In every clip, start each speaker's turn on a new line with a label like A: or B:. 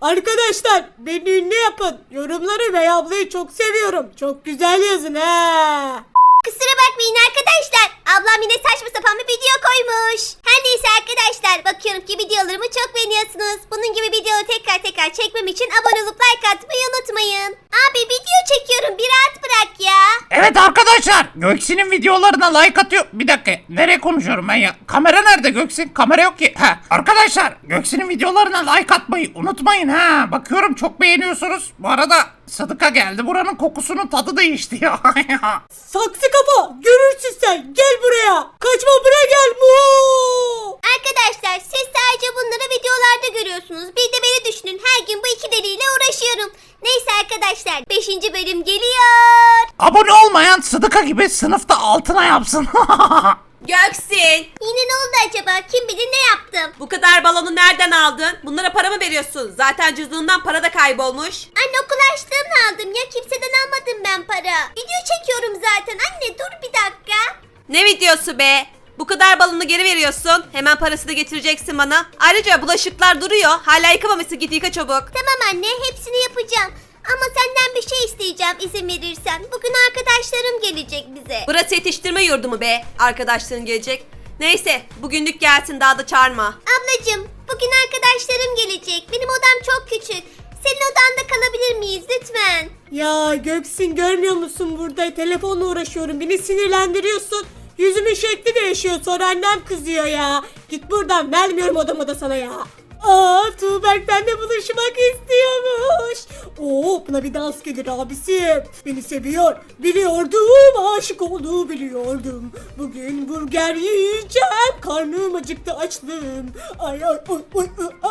A: Arkadaşlar beni ünlü yapın. Yorumları ve ablayı çok seviyorum. Çok güzel yazın ha.
B: Kusura bakmayın arkadaşlar. Ablam yine saçma sapan bir video koymuş. Her neyse arkadaşlar, bakıyorum ki videolarımı çok beğeniyorsunuz. Bunun gibi video tekrar çekmem için abone olup like atmayı unutmayın. Abi video çekiyorum, bir rahat bırak ya.
C: Evet arkadaşlar, Göksin'in videolarına like atıyor. Bir dakika, nereye konuşuyorum ben ya? Kamera nerede Göksin? Kamera yok ki. Arkadaşlar, Göksin'in videolarına like atmayı unutmayın ha. Bakıyorum çok beğeniyorsunuz. Bu arada Sıdıka geldi. Buranın kokusunun tadı değişti ya.
A: Saksı kafa, görürsün sen. Gel buraya. Kaçma, buraya gel.
B: Arkadaşlar siz sadece bunları videolarda görüyorsunuz. Bir de beni düşünün, her gün bu iki deliyle uğraşıyorum. Neyse arkadaşlar, 5. bölüm geliyor.
C: Abone olmayan Sıdıka gibi sınıfta altına yapsın.
D: Göksin,
B: Yine ne oldu acaba? Kim bilir ne yaptım?
D: bu kadar balonu nereden aldın? Bunlara para mı veriyorsun? Zaten cüzdanından para da kaybolmuş.
B: Anne, okul harçlığımla aldım ya, kimseden almadım ben para. Video çekiyorum zaten. Anne dur bir dakika.
D: Ne videosu be? Bu kadar balonu geri veriyorsun. Hemen parasını getireceksin bana. Ayrıca bulaşıklar duruyor. Hala yıkamamışsın, git yıka çabuk.
B: Tamam anne, hepsini yapacağım. Ama senden bir şey isteyeceğim izin verirsen. Bugün arkadaşlarım gelecek bize.
D: Burası yetiştirme yurdu mu be? Arkadaşların gelecek. Neyse, bugünlük gelsin, daha da çağırma.
B: Ablacığım, bugün arkadaşlarım gelecek. Benim odam çok küçük. Senin odanda kalabilir miyiz lütfen?
A: Ya Göksin, görmüyor musun, burada telefonla uğraşıyorum. Beni sinirlendiriyorsun. Yüzümün şekli değişiyor, sonra annem kızıyor ya. Git buradan, vermiyorum odamı da sana ya. Tuğberk benimle buluşmak istiyormuş. Buna bir dans gelir abisi. Beni seviyor. Biliyordum, aşık olduğu biliyordum. Bugün burger yiyeceğim. Karnım acıktı, açlığım. Ay ay oy oy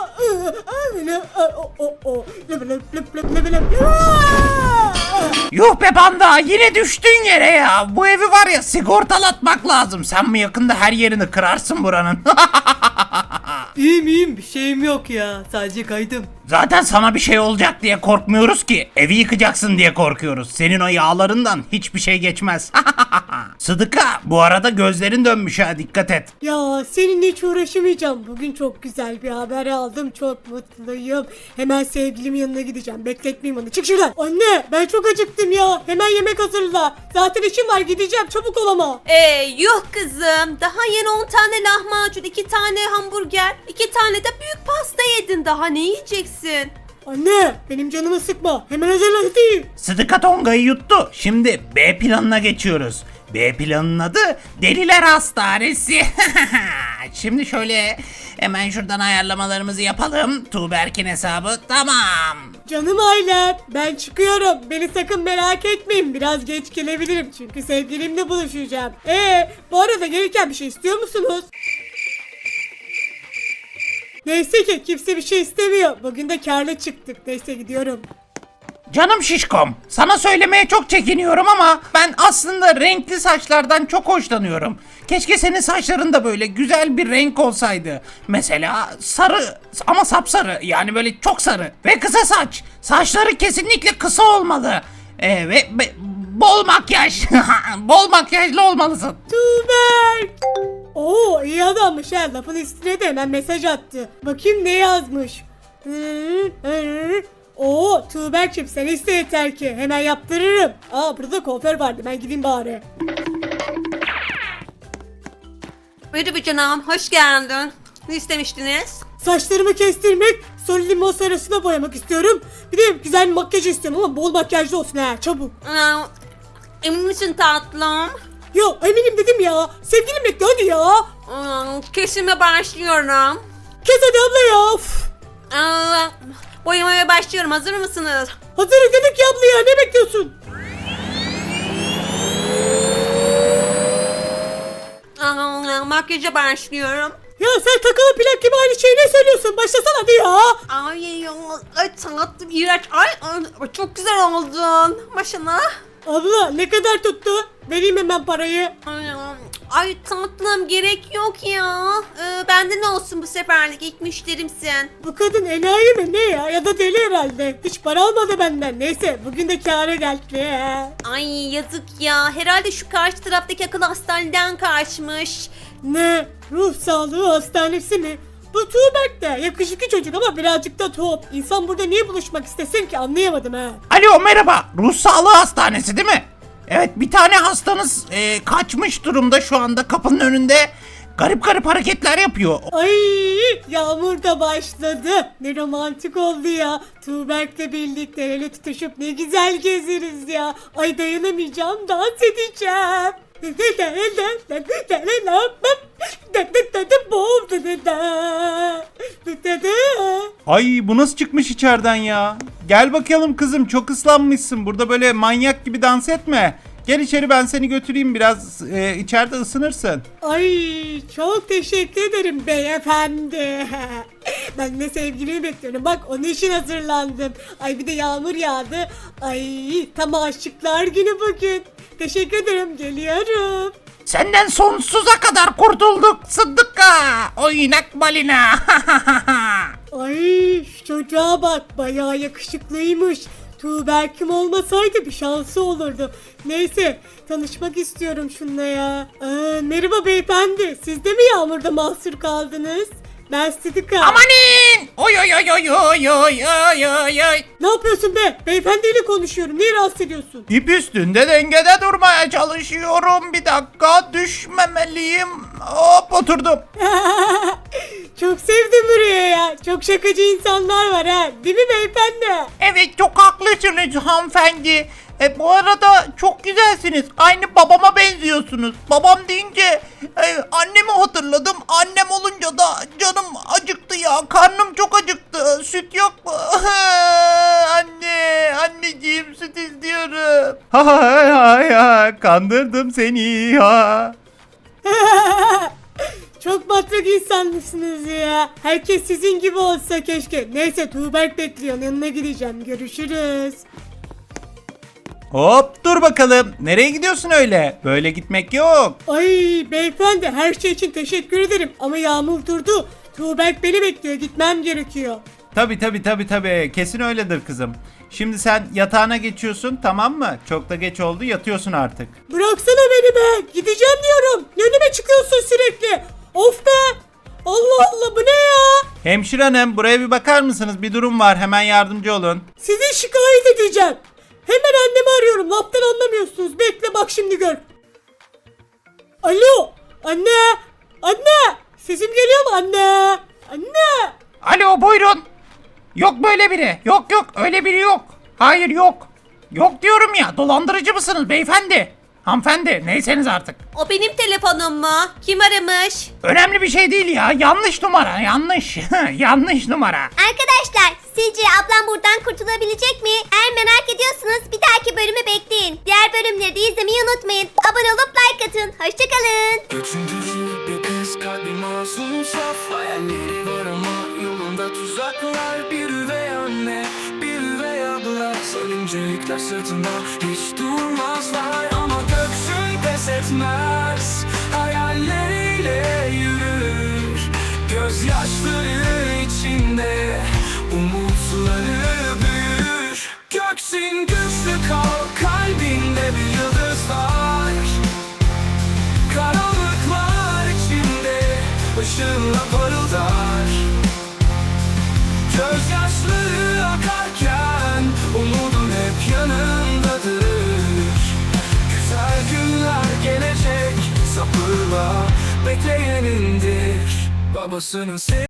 C: Yuh be panda, yine düştün yere ya. Bu evi var ya, sigortalatmak lazım. Sen mi yakında her yerini kırarsın buranın?
A: İyiyim, bir şeyim yok ya. Sadece kaydım.
C: Zaten sana bir şey olacak diye korkmuyoruz ki. Evi yıkacaksın diye korkuyoruz. Senin o yağlarından hiçbir şey geçmez. Sıdıka, bu arada gözlerin dönmüş ha, dikkat et.
A: Ya seninle hiç uğraşamayacağım. Bugün çok güzel bir haber aldım. Çok mutluyum. Hemen sevgilimin yanına gideceğim. Bekletmeyeyim onu. Çık şuradan. Anne, ben çok acıktım ya. Hemen yemek hazırla. Zaten işim var, gideceğim. Çabuk ol ama.
D: Yuh kızım. Daha yeni 10 tane lahmacun, 2 tane hamburger, 2 tane de büyük pasta yedin. Daha ne yiyeceksin?
A: Anne, benim canımı sıkma. Hemen hazırla hadi.
C: Sıdıka Tonga'yı yuttu. Şimdi B planına geçiyoruz. B planının adı Deliler Hastanesi. Şimdi şöyle hemen şuradan ayarlamalarımızı yapalım. Tuğberk'in hesabı tamam.
A: Canım ailem, ben çıkıyorum. Beni sakın merak etmeyin. Biraz geç gelebilirim çünkü sevgilimle buluşacağım. Bu arada gelirken bir şey istiyor musunuz? Neyse ki kimse bir şey istemiyor. Bugün de kârlı çıktık. Neyse, gidiyorum.
C: Canım şişkom, sana söylemeye çok çekiniyorum ama ben aslında renkli saçlardan çok hoşlanıyorum. Keşke senin saçların da böyle güzel bir renk olsaydı. Mesela sarı ama sapsarı, yani böyle çok sarı ve kısa saç. Saçları kesinlikle kısa olmalı. Ve bol makyaj. Bol makyajlı olmalısın.
A: Tuğberk. İyi adammış ha. Lafın üstüne de hemen mesaj attı. Bakayım ne yazmış. Tuğberk'cim, sen iste yeter ki. Hemen yaptırırım. Burada kuaför vardı. Ben gideyim bari.
D: Buyurun canım, hoş geldin. Ne istemiştiniz?
A: Saçlarımı kestirmek, sonra limon sarısına boyamak istiyorum. Bir de güzel bir makyaj istiyorum ama bol makyajlı olsun ha. Çabuk.
D: Emin misin tatlım?
A: Ya eminim dedim ya. Sevgilim bekle hadi ya.
D: Kesime başlıyorum.
A: Kes hadi abla ya. Uf.
D: Boyamaya başlıyorum. Hazır mısınız?
A: Hazırız dedik ya abla ya. Ne bekliyorsun?
D: Makyaja başlıyorum.
A: Ya sen takılı plak gibi aynı şeyi ne söylüyorsun? Başlasana hadi ya.
D: Ay tatlım, iğrenç. Ay çok güzel oldun. Başına.
A: Abla ne kadar tuttu? Vereyim hemen parayı.
D: Ay tatlım, gerek yok ya. Bende ne olsun bu seferlik, ilk müşterimsin.
A: Bu kadın enayi mi ne ya? Ya da deli herhalde. Hiç para almadı benden. Neyse, bugün de kâra geldi.
D: Ay yazık ya. Herhalde şu karşı taraftaki akıl hastaneden kaçmış.
A: Ne? Ruh sağlığı hastanesi mi? Bu Tuğberk de yakışıklı çocuk ama birazcık da tuhaf. İnsan burada niye buluşmak istesin ki, anlayamadım ha.
C: Alo merhaba, ruh sağlığı hastanesi değil mi? Evet, bir tane hastanız kaçmış durumda şu anda kapının önünde. Garip garip hareketler yapıyor.
A: Ay, yağmur da başladı. Ne romantik oldu ya. Tuğberk'le birlikte el tutuşup ne güzel gezeriz ya. Ay dayanamayacağım, dans edeceğim.
E: Ay bu nasıl çıkmış içeriden ya? Gel bakalım kızım, çok ıslanmışsın. Burada böyle manyak gibi dans etme. Gel içeri, ben seni götüreyim biraz, içeride ısınırsın.
A: Ay çok teşekkür ederim beyefendi. Ben de sevgilimi bekliyorum. Bak onun için hazırlandım. Ay bir de yağmur yağdı. Ay tam aşıklar günü bugün. Teşekkür ederim, geliyorum.
C: Senden sonsuza kadar kurtulduk Sıddık'a. Oynak balina.
A: Ay şu çocuğa bak, bayağı yakışıklıymış. Tuğberk'im olmasaydı bir şansı olurdu. Neyse, tanışmak istiyorum şununla ya. Merhaba beyefendi, siz de mi yağmurda mahsur kaldınız? Ben Sıdıka.
C: Amanin. Oy oy oy oy oy oy oy oy oy.
A: Ne yapıyorsun be? Beyefendiyle konuşuyorum. Niye rahatsız ediyorsun?
C: İp üstünde dengede durmaya çalışıyorum. Bir dakika, düşmemeliyim. Hop, oturdum.
A: Çok sevdim buraya ya. Çok şakacı insanlar var ha. Değil mi beyefendi?
C: Evet, çok haklısınız hanımefendi. Bu arada çok güzelsiniz. Aynı babama benziyorsunuz. Babam deyince annemi hatırladım. Annem olunca da canım acıktı ya. Karnım çok acıktı. Süt yok mu? Anne, anneciğim, süt istiyorum.
E: Hay hay hay, kandırdım seni ya.
A: Çok matrak insanlısınız ya. Herkes sizin gibi olsa keşke. Neyse, Tuğberk bekliyor. Yanına gideceğim. Görüşürüz.
E: Hop dur bakalım, nereye gidiyorsun öyle? Böyle gitmek yok.
A: Ay beyefendi, her şey için teşekkür ederim. Ama yağmur durdu. Tuğberk beni bekliyor. Gitmem gerekiyor.
E: Tabi, kesin öyledir kızım. Şimdi sen yatağına geçiyorsun, tamam mı? Çok da geç oldu, yatıyorsun artık.
A: Bıraksana beni be. Gideceğim diyorum. Önüme çıkıyorsun sürekli. Of be. Allah Allah, bu ne ya?
E: Hemşire hanım, buraya bir bakar mısınız? Bir durum var, hemen yardımcı olun.
A: Sizi şikayet edeceğim. Hemen annemi arıyorum. Laftan anlamıyorsunuz. Bekle bak, şimdi gör. Alo. Anne. Anne. Sesim geliyor mu anne? Anne.
C: Alo, buyurun. Yok böyle biri. Yok öyle biri yok. Hayır, yok. Yok diyorum ya. Dolandırıcı mısınız beyefendi? Hanımefendi, neyseniz artık.
D: O benim telefonum mu? Kim aramış?
C: Önemli bir şey değil ya. Yanlış numara, yanlış. Yanlış numara.
B: Arkadaşlar sizce ablam buradan kurtulabilecek mi? Eğer merak ediyorsanız bir dahaki bölümü bekleyin. Diğer bölümleri de izlemeyi unutmayın. Abone olup like atın. Hoşçakalın.
F: Üçüncü bir kız, kalbi masum saf. Hayalleri var ama yolunda tuzaklar. Bir üvey anne, bir üvey abla. Sarınca yükler sırtında, hiç durmazlar. Ama göksün pes etmez, hayalleriyle yürür. Gözyaşları içinde umutları büyür. Göksin güçlü kal, kalbinde bir yıldız var. Karanlıklar içinde ışığınla parıldar. Gözyaşları akarken umudun hep yanındadır. Güzel günler gelecek, sabırla bekleyenindir. Babasının